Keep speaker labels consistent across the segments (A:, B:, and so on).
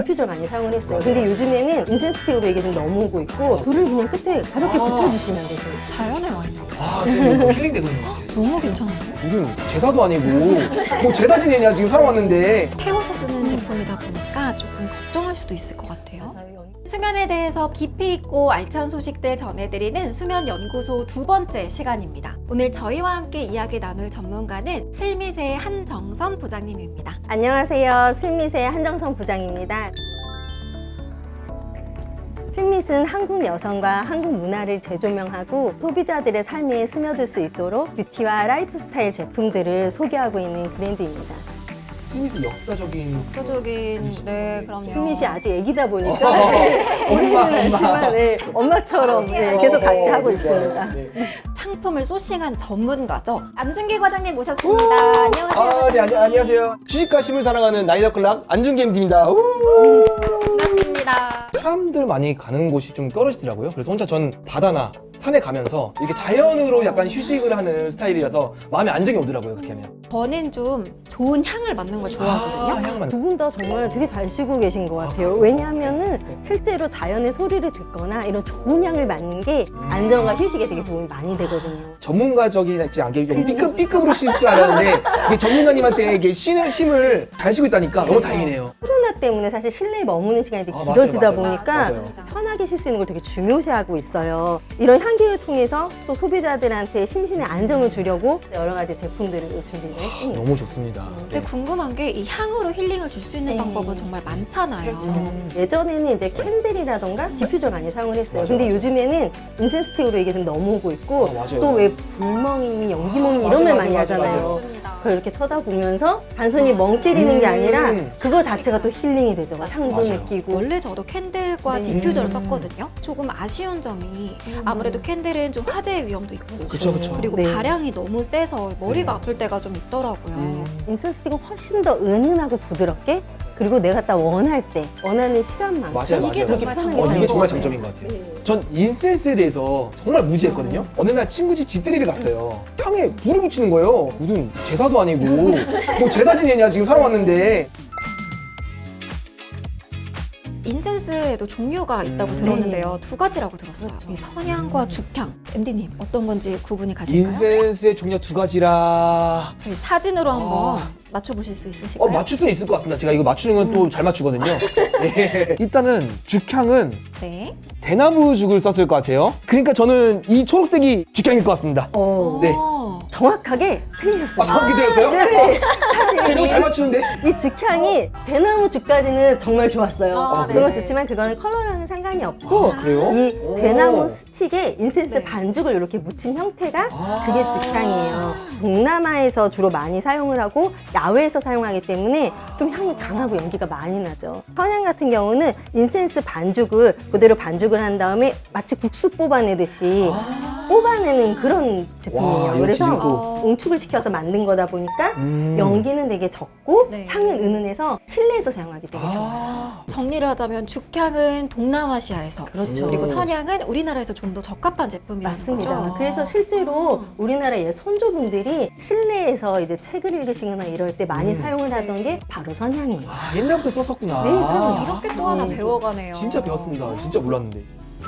A: 디퓨저 많이 사용을 했어요. 근데 요즘에는 인센스 스틱으로 이게 좀 넘어오고 있고 불을 그냥 끝에 가볍게 붙여주시면 되세요.
B: 자연의 와인.
C: 아, 지금 힐링 되거든요.
B: 너무 괜찮은데?
C: 무슨 제사도 아니고 뭐 제사 지내냐 지금 살아왔는데.
B: 태워서 쓰는 제품이다 보니까 조금 걱정할 수도 있을 것 같아요.
D: 수면에 대해서 깊이 있고 알찬 소식들 전해드리는 수면연구소 두 번째 시간입니다. 오늘 저희와 함께 이야기 나눌 전문가는 슬밋의 한정선 부장님입니다.
A: 안녕하세요. 슬밋의 한정선 부장입니다. 슬밋은 한국 여성과 한국 문화를 재조명하고 소비자들의 삶에 스며들 수 있도록 뷰티와 라이프스타일 제품들을 소개하고 있는 브랜드입니다.
C: 슬밋이 역사적인
D: 네, 그럼요.
A: 슬밋이 아직 애기다 보니까 어리는 않지만 엄마처럼 계속 같이 하고 있습니다.
D: 상품을 소싱한 전문가죠. 안준기 과장님 모셨습니다. 안녕하세요.
C: 아, 네, 안녕하세요. 주식과 심을 사랑하는 나이더클락 안준기 MD입니다.
D: 반갑습니다.
C: 사람들 많이 가는 곳이 좀 떨어지더라고요. 그래서 혼자 전 바다나 산에 가면서 이렇게 자연으로 약간 휴식을 하는 스타일이라서 마음에 안정이 오더라고요, 그렇게 하면.
D: 저는 좀 좋은 향을 맡는 걸 좋아하거든요.
C: 향만.
A: 두 분 다 정말 되게 잘 쉬고 계신 것 같아요. 왜냐하면은 실제로 자연의 소리를 듣거나 이런 좋은 향을 맡는 게 안정과 휴식에 되게 도움이 많이 되거든요.
C: 전문가적이지 않게 좀 B급으로 쉴 줄 알았는데 이게 전문가님한테 이게 쉼을 잘 쉬고 있다니까 너무 다행이네요.
A: 코로나 때문에 사실 실내에 머무는 시간이 되게
C: 맞아요,
A: 길어지다
C: 맞아요.
A: 보니까
C: 맞아요.
A: 편하게 쉴 수 있는 걸 되게 중요시하고 있어요. 이런 향기를 통해서 또 소비자들한테 심신의 안정을 주려고 여러 가지 제품들을 준비를 했습니다.
C: 너무 좋습니다.
D: 근데 궁금한 게 이 향으로 힐링을 줄 수 있는
A: 네.
D: 방법은 정말 많잖아요.
A: 예전에는 이제 캔들이라던가 디퓨저 많이 사용을 했어요.
C: 맞아요,
A: 근데
C: 맞아요.
A: 요즘에는 인센스 스틱으로 이게 좀 넘어오고 있고
C: 맞아요.
A: 또 왜 불멍이니 연기멍이
C: 맞아요,
A: 이런 말
C: 맞아요,
A: 많이
C: 맞아요,
A: 하잖아요.
C: 맞아요.
D: 맞습니다.
A: 그걸 이렇게 쳐다보면서 단순히 멍 때리는 게 아니라
C: 음.
A: 그거 자체가 또 힐링이 되죠. 향도
C: 맞아요.
A: 느끼고.
D: 원래 저도 캔들과
A: 네.
D: 디퓨저를 썼거든요. 조금 아쉬운 점이 아무래도 캔들은 좀 화재 위험도 있고
C: 그쵸, 그쵸.
D: 그리고
A: 네.
D: 가량이 너무 세서 머리가
C: 네.
D: 아플 때가 좀 있더라고요.
A: 인센스 스틱은 훨씬 더 은은하고 부드럽게 그리고 내가 딱 원할 때 원하는 시간만큼
C: 맞아요,
D: 이게
C: 맞아요.
D: 정말
A: 편하게
D: 장점인
C: 이게
D: 것
C: 정말
D: 같아요.
C: 장점인 것 같아요.
A: 네.
C: 전 인센스에 대해서 정말 무지했거든요. 어느 날 친구 집 집들이를 갔어요. 향에 불을 붙이는 거예요. 무슨 제사도 아니고 뭐 제사 지내냐 지금 살아왔는데.
D: 인센스에도 종류가 있다고 들었는데요. 두 가지라고 들었어요.
A: 그렇죠.
D: 이 선향과 죽향. MD님 어떤 건지 구분이 가실까요?
C: 인센스의 종류가 두 가지라.
D: 저희 사진으로 한번
C: 아.
D: 맞춰보실 수 있으실까요?
C: 맞출 수는 있을 것 같습니다. 제가 이거 맞추는 건 또 잘 맞추거든요. 예. 일단은 죽향은
D: 네.
C: 대나무 죽을 썼을 것 같아요. 그러니까 저는 이 초록색이 죽향일 것 같습니다. 네.
A: 정확하게 틀리셨어요.
C: 정확히 들었어요?
A: 네. 사실
C: 제가 너무 잘 맞추는데?
A: 이 죽향이 대나무 죽까지는 정말 좋았어요.
D: 아,
A: 그건
D: 네.
A: 좋지만 그거는 컬러랑은 상관이 없고
C: 그래요?
A: 이
C: 오.
A: 대나무 스틱에 인센스
D: 네.
A: 반죽을 이렇게 묻힌 형태가
C: 아.
A: 그게 죽향이에요. 동남아에서 주로 많이 사용을 하고 야외에서 사용하기 때문에 좀 향이 강하고 연기가 많이 나죠. 선향 같은 경우는 인센스 반죽을 그대로 반죽을 한 다음에 마치 국수 뽑아내듯이 뽑아내는 그런 제품이에요.
C: 와,
A: 그래서
C: 역시
A: 응축을 시켜서 만든 거다 보니까 연기는 되게 적고
D: 네.
A: 향은 은은해서 실내에서 사용하기 되게 좋아요.
C: 아.
D: 정리를 하자면 죽향은 동남아시아에서
A: 그렇죠.
D: 그리고 선향은 우리나라에서 좀 더 적합한 제품이라는
A: 맞습니다.
D: 거죠.
A: 그래서 실제로 우리나라 옛 선조분들이 실내에서 이제 책을 읽으시거나 이럴 때 많이 사용을 하던 게 바로 선향이에요.
C: 아, 옛날부터 썼었구나.
A: 네, 그럼요.
D: 이렇게 또 하나 배워가네요.
C: 진짜 배웠습니다. 진짜 몰랐는데.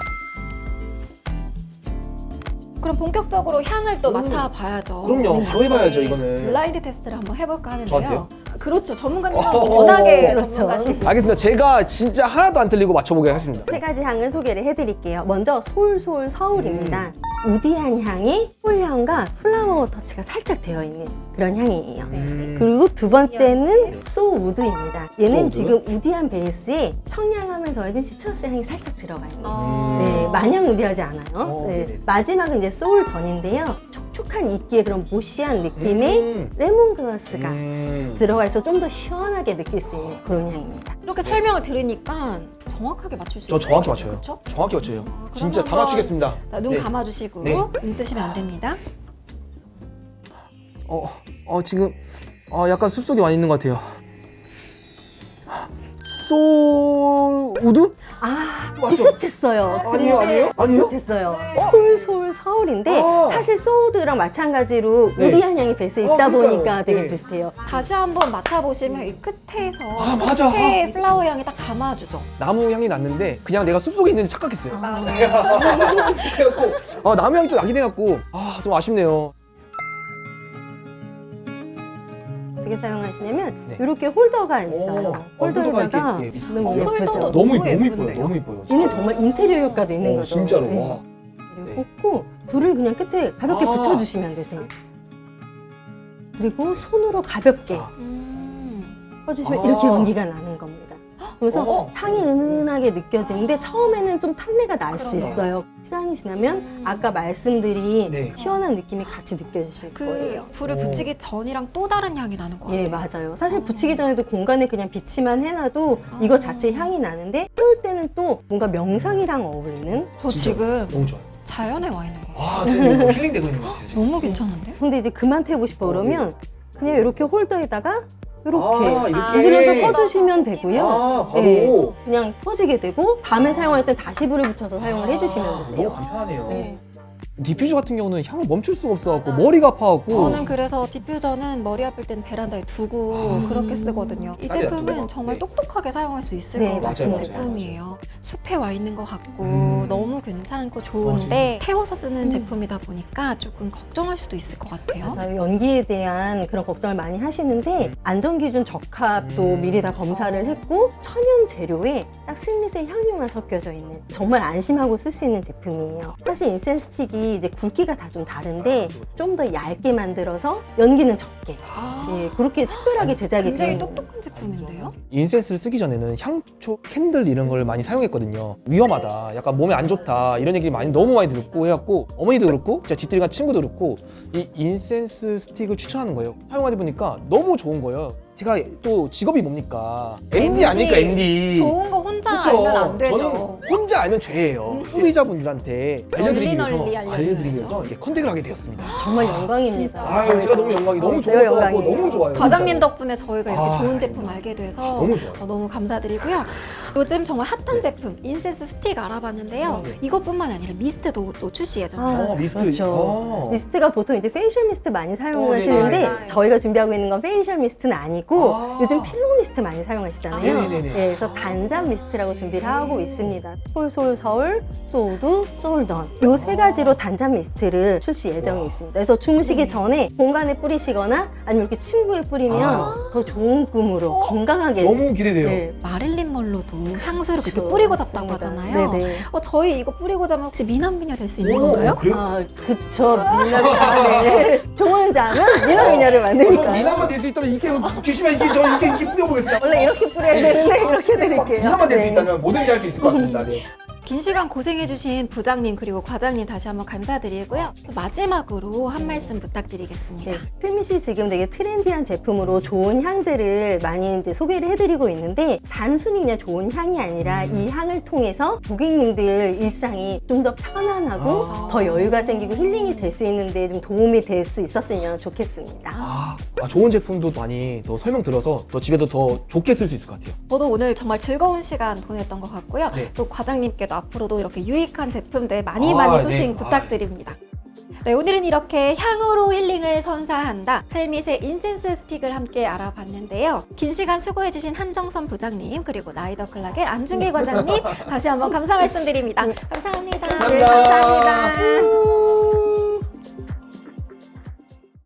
D: 그럼 본격적으로 향을 또 맡아봐야죠.
C: 그럼요. 바로 해봐야죠, 이거는.
D: 블라인드 테스트를 한번 해볼까 하는데요.
C: 저한테요?
D: 그렇죠. 전문가님 워낙에
A: 그렇죠.
D: 전문가시고.
C: 알겠습니다. 제가 진짜 하나도 안 틀리고 맞춰보게 하겠습니다.
A: 세 가지 향을 소개를 해드릴게요. 먼저 솔솔 서울입니다. 우디한 향이 폴향과 플라워 터치가 살짝 되어 있는 그런 향이에요. 그리고 두 번째는 소우드입니다. 얘는
C: 소우드?
A: 지금 우디한 베이스에 청량함을 더해진 시트러스 향이 살짝 들어가 있는.
D: 아.
A: 네, 마냥 우디하지 않아요. 네.
C: 네네.
A: 마지막은 이제 소울전인데요. 촉촉한 이끼의 그런 모시한 느낌의 레몬그라스가 들어가 있어 좀 더 시원하게 느낄 수 있는 그런 향입니다.
D: 이렇게 설명을 들으니까 정확하게 맞출 수
C: 저
D: 있어요.
C: 정확히 맞춰요.
D: 그렇죠?
C: 정확히 맞춰요.
D: 그럼
C: 진짜 다
D: 한번
C: 맞추겠습니다.
D: 눈
C: 네.
D: 감아주시고
C: 네.
D: 눈 뜨시면 안 됩니다.
C: 지금 약간 숲속에 많이 있는 것 같아요. 솔 우드?
A: 아,
C: 맞죠?
A: 비슷했어요.
C: 아니에요, 아니에요? 아니에요?
A: 비슷했어요.
C: 네.
A: 솔 서울인데
C: 아.
A: 사실 소우드랑 마찬가지로
C: 네.
A: 우디 한양이 베이스에 있다
C: 그러니까요.
A: 보니까 되게
C: 네.
A: 비슷해요.
D: 다시 한번 맡아보시면 이 끝에서
C: 아, 맞아.
D: 끝에 플라워 향이 딱 감아주죠.
C: 나무 향이 났는데 그냥 내가 숲속에 있는지 착각했어요.
D: 아.
C: 그래갖고 나무 향이 좀 나긴 해갖고 좀 아쉽네요.
A: 어떻게 사용하시냐면
C: 네.
A: 이렇게 홀더가 있어요.
C: 홀더가
A: 홀더에다가
C: 이렇게
A: 너무
D: 홀더도
A: 예쁘죠?
C: 너무
D: 너무
C: 이뻐요.
D: 예쁜데요?
C: 너무 이뻐요.
A: 얘는 정말 인테리어 효과도 있는 거죠.
C: 진짜로.
A: 네.
C: 와.
A: 그리고 꽂고 불을 그냥 끝에 가볍게
C: 아.
A: 붙여주시면 되세요. 그리고 손으로 가볍게
C: 아.
A: 꺼주시면
C: 아.
A: 이렇게 연기가 나는 겁니다. 그래서
C: 어.
A: 향이 은은하게 느껴지는데 처음에는 좀 탄내가 날 수
C: 그러네요.
A: 있어요. 시간이 지나면 아까 말씀드린
C: 네.
A: 시원한 느낌이 같이 느껴지실
D: 그
A: 거예요.
D: 불을
C: 오.
D: 붙이기 전이랑 또 다른 향이 나는 것 같아요.
A: 예, 맞아요. 사실 붙이기 전에도 공간에 그냥 비치만 해놔도
D: 아.
A: 이거 자체 향이 나는데 피울 때는 또 뭔가 명상이랑 어울리는.
D: 저
C: 진짜.
D: 지금
C: 너무 좋아요.
D: 자연에 와 있는 거예요.
C: 와, 진짜 힐링되고 있는 것 같아요. 지금.
D: 너무 괜찮은데?
A: 근데 이제 그만 태우고 싶어 그러면 그냥 이렇게 홀더에다가 이렇게
C: 이렇게.
A: 문질러서 꺼주시면 되고요.
C: 바로.
A: 네. 그냥 꺼지게 되고 다음에 사용할 때 다시 불을 붙여서 사용을 해주시면
C: 너무
A: 되세요.
C: 간편하네요.
A: 네.
C: 디퓨저 같은 경우는 향을 멈출 수가 없어갖고 머리가 아파갖고.
D: 저는 그래서 디퓨저는 머리 아플 땐 베란다에 두고 그렇게 쓰거든요. 이
C: 딸이
D: 제품은
C: 놔두고.
D: 정말
C: 네.
D: 똑똑하게 사용할 수 있을
A: 네,
D: 것 같은
C: 맞아요,
D: 제품이에요. 숲에 와 있는 것 같고 너무 괜찮고 좋은데 태워서 쓰는 제품이다 보니까 조금 걱정할 수도 있을 것 같아요.
A: 맞아요. 연기에 대한 그런 걱정을 많이 하시는데 안전기준 적합도 미리 다 검사를 했고 천연 재료에 딱 슬밋의 향료만 섞여져 있는 정말 안심하고 쓸 수 있는 제품이에요. 사실 인센스 스틱이 이제 굵기가 다 좀 다른데 좀 더 얇게 만들어서 연기는 적게 예, 그렇게 특별하게 제작이
D: 굉장히
A: 되는
D: 똑똑한 제품인데요?
C: 인센스를 쓰기 전에는 향초, 캔들 이런 걸 많이 사용했거든요. 위험하다, 약간 몸에 안 좋다 이런 얘기 너무 많이 듣고 해갖고 어머니도 그렇고 제가 집들이 간 친구도 그렇고 이 인센스 스틱을 추천하는 거예요. 사용하다 보니까 너무 좋은 거예요. 제가 또 직업이 뭡니까? MD 아닙니까, MD.
D: 좋은 거 혼자
C: 그쵸?
D: 알면 안 되죠.
C: 저는 혼자 알면 죄예요. 소비자분들한테 알려드리기
D: 널리
C: 위해서
D: 알려드려야죠.
C: 알려드리기 위해서 이렇게 컨택을 하게 되었습니다.
A: 정말 영광입니다.
C: 아유, 제가 너무 영광이 너무
A: 제가
C: 좋아서
A: 영광이에요.
C: 너무 좋아요.
D: 과장님
C: 진짜로.
D: 덕분에 저희가 이렇게
C: 아,
D: 좋은 제품 알게 돼서
C: 너무 좋아요.
D: 너무 감사드리고요. 요즘 정말 핫한
C: 네.
D: 제품 인센스 스틱 알아봤는데요.
C: 네.
D: 이것뿐만 아니라 미스트도 또 출시 예정이에요.
A: 아,
C: 미스트.
A: 그렇죠. 미스트가 보통 이제 페이셜 미스트 많이 사용하시는데
D: 네, 맞아요.
A: 저희가 준비하고 있는 건 페이셜 미스트는 아니고
C: 아.
A: 요즘 필로 미스트 많이 사용하시잖아요.
C: 네네네.
A: 예, 그래서 단잠 미스트라고 준비를 하고 있습니다. 솔솔 서울, 소우드, 솔던 요 세 가지로 단잠 미스트를 출시 예정이 있습니다. 그래서 주무시기 전에 공간에 뿌리시거나 아니면 이렇게 침구에 뿌리면 더 좋은 꿈으로 건강하게
C: 너무 기대돼요.
A: 네.
D: 마릴린 먼로도 향수를 그렇게
A: 그렇죠.
D: 뿌리고 잤다고
A: 맞습니다.
D: 하잖아요.
A: 네네.
D: 저희 이거 뿌리고 자면 혹시 미남미녀 될 수 있는
C: 오,
D: 건가요?
C: 그래요?
A: 아, 그쵸. 네. 좋은 잠은 미남미녀를
C: 저
A: 만드니까요.
C: 미남만 될 수 있다면 이렇게 주시면 이렇게 뿌려보겠습니다.
A: 원래 이렇게 뿌려야 되는데 이렇게 드릴게요.
C: 미남만 될 수
A: 네.
C: 있다면 뭐든지 할 수 있을 것 같습니다. 네.
D: 긴 시간 고생해주신 부장님 그리고 과장님 다시 한번 감사드리고요. 또 마지막으로 한 말씀 부탁드리겠습니다.
A: 네, 슬밋이 지금 되게 트렌디한 제품으로 좋은 향들을 많이 이제 소개를 해드리고 있는데 단순히 그냥 좋은 향이 아니라 이 향을 통해서 고객님들 일상이 좀 더 편안하고 더 여유가 생기고 힐링이 될 수 있는데 좀 도움이 될 수 있었으면 좋겠습니다.
C: 좋은 제품도 많이 더 설명 들어서 더 집에도 더 좋게 쓸 수 있을 것 같아요.
D: 저도 오늘 정말 즐거운 시간 보냈던 것 같고요.
C: 네.
D: 또 과장님께도 앞으로도 이렇게 유익한 제품들 많이
C: 네.
D: 소식 부탁드립니다. 네, 오늘은 이렇게 향으로 힐링을 선사한다 슬밋의 인센스 스틱을 함께 알아봤는데요. 긴 시간 수고해주신 한정선 부장님 그리고 나이더 클락의 안중길 과장님 다시 한번 감사 말씀드립니다. 감사합니다.
A: 네, 감사합니다.